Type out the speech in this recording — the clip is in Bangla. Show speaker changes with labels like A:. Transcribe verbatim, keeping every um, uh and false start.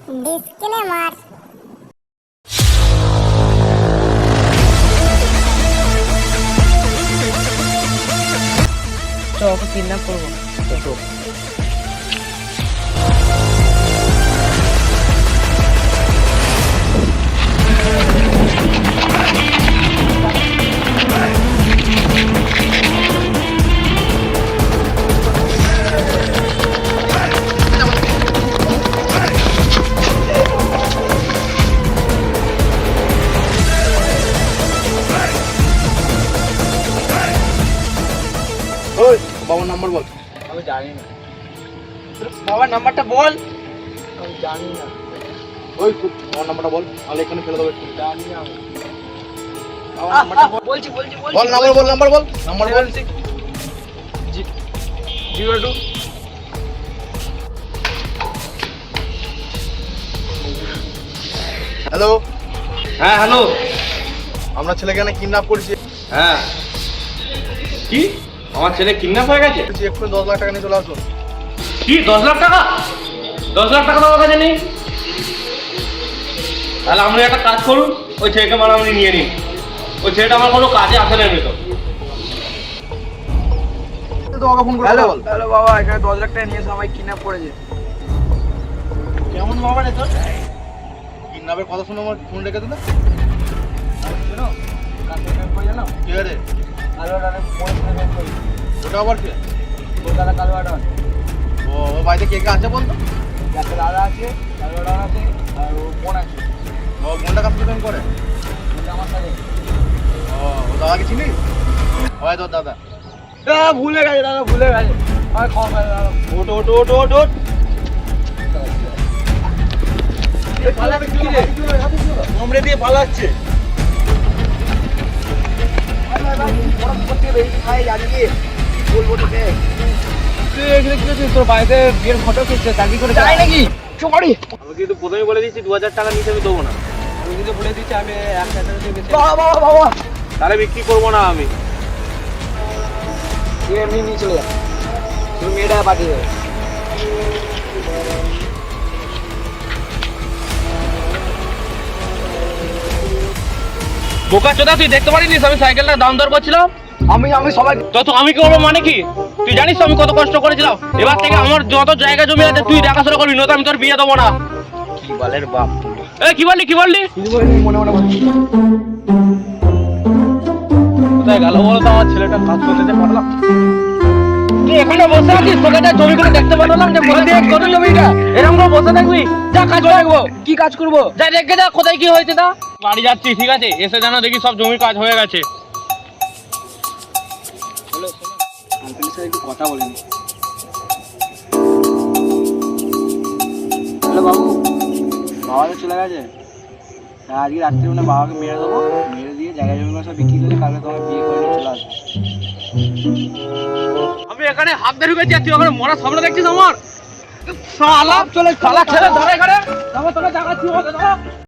A: ডিসক্লেমার।
B: তো ওকে কিডন্যাপ করবো।
C: ওই বাবার নাম্বার বল।
B: আমি জানি না।
C: বাবার নাম্বারটা বল।
B: আমি জানি না।
C: ওই বাবার নাম্বারটা বল, আমি এখানে ফেলে দেবো একটু।
B: জানি না আমি।
C: বাবার নাম্বারটা বল।
B: বলছি বলছি বলছি
C: বল নাম্বার বল, নাম্বার বল, নাম্বার বল।
B: জিরো টু
C: হ্যালো,
D: হ্যাঁ হ্যালো।
C: আমরা ছেলেকে এখানে কিডন্যাপ করেছি।
D: হ্যাঁ কি আমার ছেলে কিডন্যাপ হয়ে গেছে?
C: বলছি এক্ষুনি দশ লাখ টাকা নিয়ে চলে আসুন।
D: কি দশ লাখ টাকা? দশ লাখ টাকা তো আমার কাছে নেই। তাহলে আপনি একটা কাজ করুন, ওই ছেলেকে মারামারি নিয়ে নিন। ওই ছেলেটা আমার কোনো কাজে আসে না এমনি তো।
C: তো ওকে ফোন করে
B: হ্যালো
C: বল।
B: হ্যালো বাবা, এখানে দশ লাখ টাকা নিয়ে এসে আমায় কিডন্যাপ করেছে।
C: কেমন বাবা রে তোর? কিডন্যাপের কথা শুনে আমার ফোন রেখে দিল।
B: শোনো, কাকে কিডন্যাপ করে জানো?
C: কে রে?
B: কালো আটার ফোন কিডন্যাপ করে।
C: ওটা আবার কে?
B: কলকাতা কালো আটার।
C: ও ও বাড়িতে কে কে আছে বলতো?
B: যাতে দাদা আছে, কালো আটার আছে, আর ও বোন আছে।
C: ও বোনটা কাজ করে করে?
B: বলছে আমার সাথে।
C: ও ও দাদাকে চিনিস? হয় তোর দাদা।
B: আ, ভুলে গেছে দাদা, ভুলে গেছে। আমার ক্ষমা করে দাদা।
C: ওট ওট ওট ওট ওট।
B: পালাবে কি রে?
C: কামড়ে দিয়ে পালাচ্ছে।
B: তোর বাড়িতে বিয়ের ফটো খেয়েছে, চাকরি করে যায় নাকি? চুমারি।
D: আমি কিন্তু প্রথমেই বলে দিচ্ছি দু হাজার টাকা নিচে আমি দেবো না।
B: আমি কিন্তু বলে দিচ্ছি আমি এক হাজার টাকা দিয়ে বেচে। বাবা বাবা বাবা,
D: তাহলে বিক্রি করবো না আমি।
B: তুই এমনি নিয়ে চলে যা, তুই মেয়েটা পাঠিয়ে দেবে।
D: বোকা চোদা, তুই দেখতে পারিনিস আমি সাইকেলটা দাম দর করছিলাম?
B: আমি আমি সবাই
D: তো তো আমি কি করবো মানে কি? তুই জানিস তো আমি কত কষ্ট করেছিলাম। এবার থেকে আমার যত জায়গা জমি আছে তুই দেখাশোনা করবি, নয়তো আমি তোর বিয়ে দেবো না।
B: কি বলের বাপ।
D: এ কি বললি কি বললি?
B: মনে মনে বলছি।
D: কোথায় গেল বলো তো আমার ছেলেটা? কাজ করতে যে পারলাম। তুই এখানে বসে আছিস, তোকে যা জমিগুলো দেখতে পারলাম যে বসে দেখ কত জমিটা। এরকম করে বসে থাকবি? যা কাজ করবো।
B: কি কাজ করবো?
D: যা দেখে যা কোথায় কি হয়েছে তা। বাড়ি যাচ্ছি, ঠিক আছে? এসে জানো দেখি সব জমির কাজ হয়ে গেছে।
B: হ্যালো, শোনো, আঙ্কেলের সাথে একটু কথা বলে নি। হ্যালো বাবু, বাবা তো চলে গেছে। হ্যাঁ, আজকে রাত্রে মানে বাবাকে মেরে দেবো, মেরে দিয়ে জায়গা জমিগুলো সব বিক্রি করে কালকে তোমার বিয়ে করে নিয়ে চলে আসবো।
D: আমি এখানে হাত ধরে ঢুকেছি আর তুই ওখানে মরা সামনে দেখছিস আমার? শালা চলে শালা ছেলে ধরে এখানে। তারপর তোকে দেখাচ্ছি ওকে।